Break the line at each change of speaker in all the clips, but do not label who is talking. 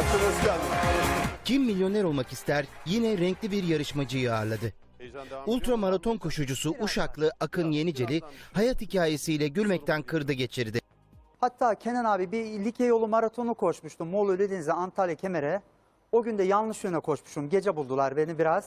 Hoş geldin.
Kim milyoner olmak ister yine renkli bir yarışmacıyı ağırladı. Ultramaraton koşucusu Uşaklı Akın Yeniceli hayat hikayesiyle gülmekten kırdı geçirdi.
Hatta Kenan abi bir Likya yolu maratonu koşmuştum. Moğol Ölüdeniz'e Antalya Kemer'e. O gün de yanlış yöne koşmuşum. Gece buldular beni biraz.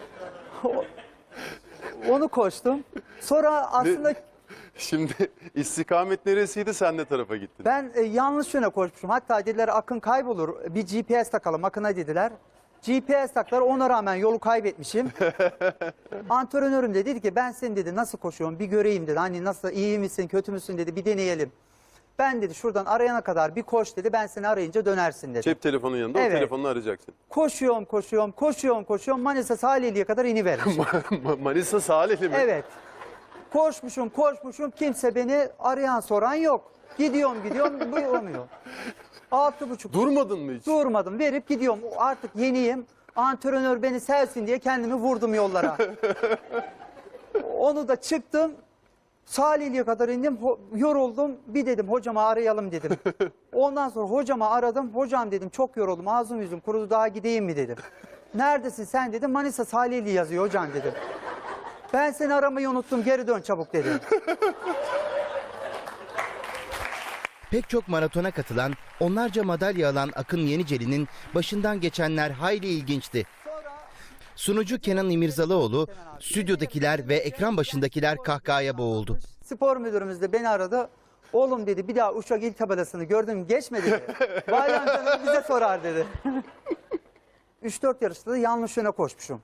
Onu koştum. Sonra aslında
Şimdi istikamet neresiydi, sen ne tarafa gittin?
ben yanlış yöne koşmuşum. Hatta dediler Akın kaybolur. Bir GPS takalım Akın'a dediler. GPS taktılar, ona rağmen yolu kaybetmişim. Antrenörüm de dedi ki ben seni dedi nasıl koşuyorum bir göreyim dedi. Hani nasıl, iyi misin kötü müsün dedi, bir deneyelim. Ben dedi şuradan arayana kadar bir koş dedi, ben seni arayınca dönersin dedi.
Cep telefonun yanında,
Evet.
o telefonunu arayacaksın.
Koşuyorum. Manisa Salihli'ye kadar inivermişim.
Manisa Salihli mi?
Evet. Koşmuşum. Kimse beni arayan soran yok. Gidiyorum bu olmuyor. 6,5.
Durmadın mı hiç?
Durmadım. Verip gidiyorum. Artık yeniyim. Antrenör beni sevsin diye kendimi vurdum yollara. Onu da çıktım. Salihli'ye kadar indim. Yoruldum. Bir dedim hocama arayalım dedim. Ondan sonra hocama aradım. Hocam dedim çok yoruldum. Ağzım yüzüm kurudu, daha gideyim mi dedim. Neredesin sen dedim. Manisa Salihli yazıyor hocam dedim. Ben seni aramayı unuttum. Geri dön çabuk dedim.
Pek çok maratona katılan, onlarca madalya alan Akın Yeniceli'nin başından geçenler hayli ilginçti. Sunucu Kenan İmirzalıoğlu, stüdyodakiler ve ekran başındakiler kahkahaya boğuldu.
Spor müdürümüz de beni aradı. Oğlum dedi bir daha Uşak il tabelasını gördün mü geçme dedi. Bayram canım bize sorar dedi. 3-4 yarışta da yanlış yöne koşmuşum.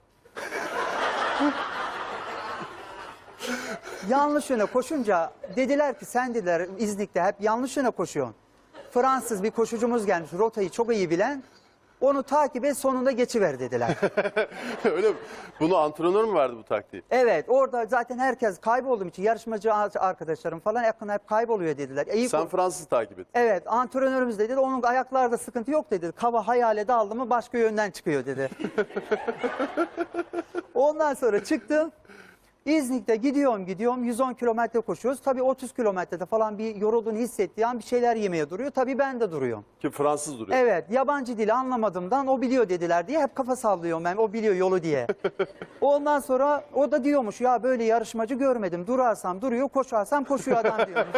Yanlış yöne koşunca dediler ki sen dediler İznik'te hep yanlış yöne koşuyorsun. Fransız bir koşucumuz gelmiş rotayı çok iyi bilen. Onu takip et sonunda geçiver dediler.
Öyle mi? Bunu antrenör mü verdi bu taktiği?
Evet, orada zaten herkes kaybolduğum için yarışmacı arkadaşlarım falan yakın hep kayboluyor dediler.
Sen Fransız takip et.
Evet, antrenörümüz dedi onun ayaklarda sıkıntı yok dedi. Kava hayale daldı mı başka yönden çıkıyor dedi. Ondan sonra çıktım. İznik'te gidiyorum 110 kilometre koşuyoruz. Tabii 30 kilometrede falan bir yorulduğunu hissettiği an bir şeyler yemeye duruyor. Tabii ben de duruyorum.
Ki Fransız duruyor.
Evet, yabancı dili anlamadığımdan o biliyor dediler diye hep kafa sallıyorum ben, o biliyor yolu diye. Ondan sonra o da diyormuş ya böyle yarışmacı görmedim. Durarsam duruyor, koşarsam koşuyor adam diyormuş.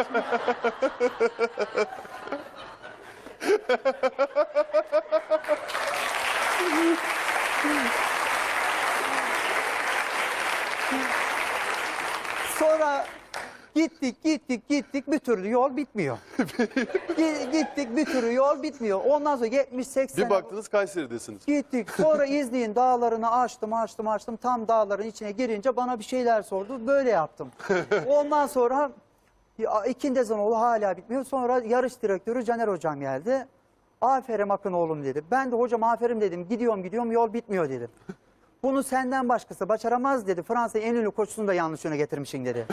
Sonra gittik bir türlü yol bitmiyor. Gittik bir türlü yol bitmiyor. Ondan sonra 70-80
Bir baktınız Kayseri'desiniz.
gittik. Sonra İznik'in dağlarını açtım. Tam dağların içine girince bana bir şeyler sordu. Böyle yaptım. Ondan sonra ikindi ezanoğlu hala bitmiyor. Sonra yarış direktörü Caner hocam geldi. Aferin Akın oğlum dedi. Ben de hocam aferin dedim. Gidiyorum yol bitmiyor dedim. Bunu senden başkası başaramaz dedi. Fransa'nın en ünlü koçusunu da yanlış yöne getirmişsin dedi.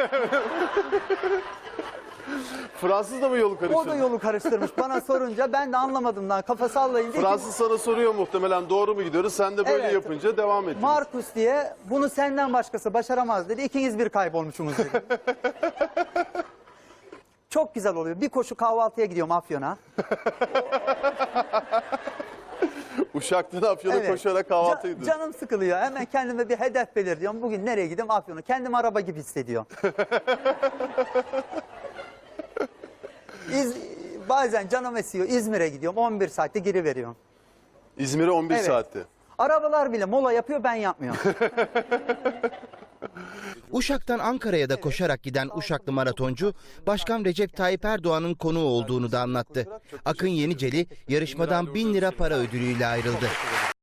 Fransız da mı yolu karıştırdı?
O da yolu karıştırmış. Bana sorunca ben de anlamadım kafa sallayınca.
Fransız sana soruyor muhtemelen doğru mu gidiyoruz? Sen de böyle
Evet.
yapınca devam ettiniz.
Markus diye bunu senden başkası başaramaz dedi. İkiniz bir kaybolmuşsunuz dedi. Çok güzel oluyor. Bir koşu kahvaltıya gidiyorum Afyon'a.
Uşak'tan Afyon'a
Evet.
koşarak kahvaltı ediyorsun.
Canım sıkılıyor. Hemen kendime bir hedef belirliyorum. Bugün nereye gidiyorum? Afyon'a. Kendim araba gibi hissediyorum. Bazen canım esiyor. İzmir'e gidiyorum. 11 saatte geri veriyorum.
İzmir'e 11
Evet.
saatte.
Arabalar bile mola yapıyor, ben yapmıyorum.
Uşak'tan Ankara'ya da koşarak giden Uşaklı maratoncu, Başkan Recep Tayyip Erdoğan'ın konuğu olduğunu da anlattı. Akın Yeniceli yarışmadan 1000 lira para ödülüyle ayrıldı.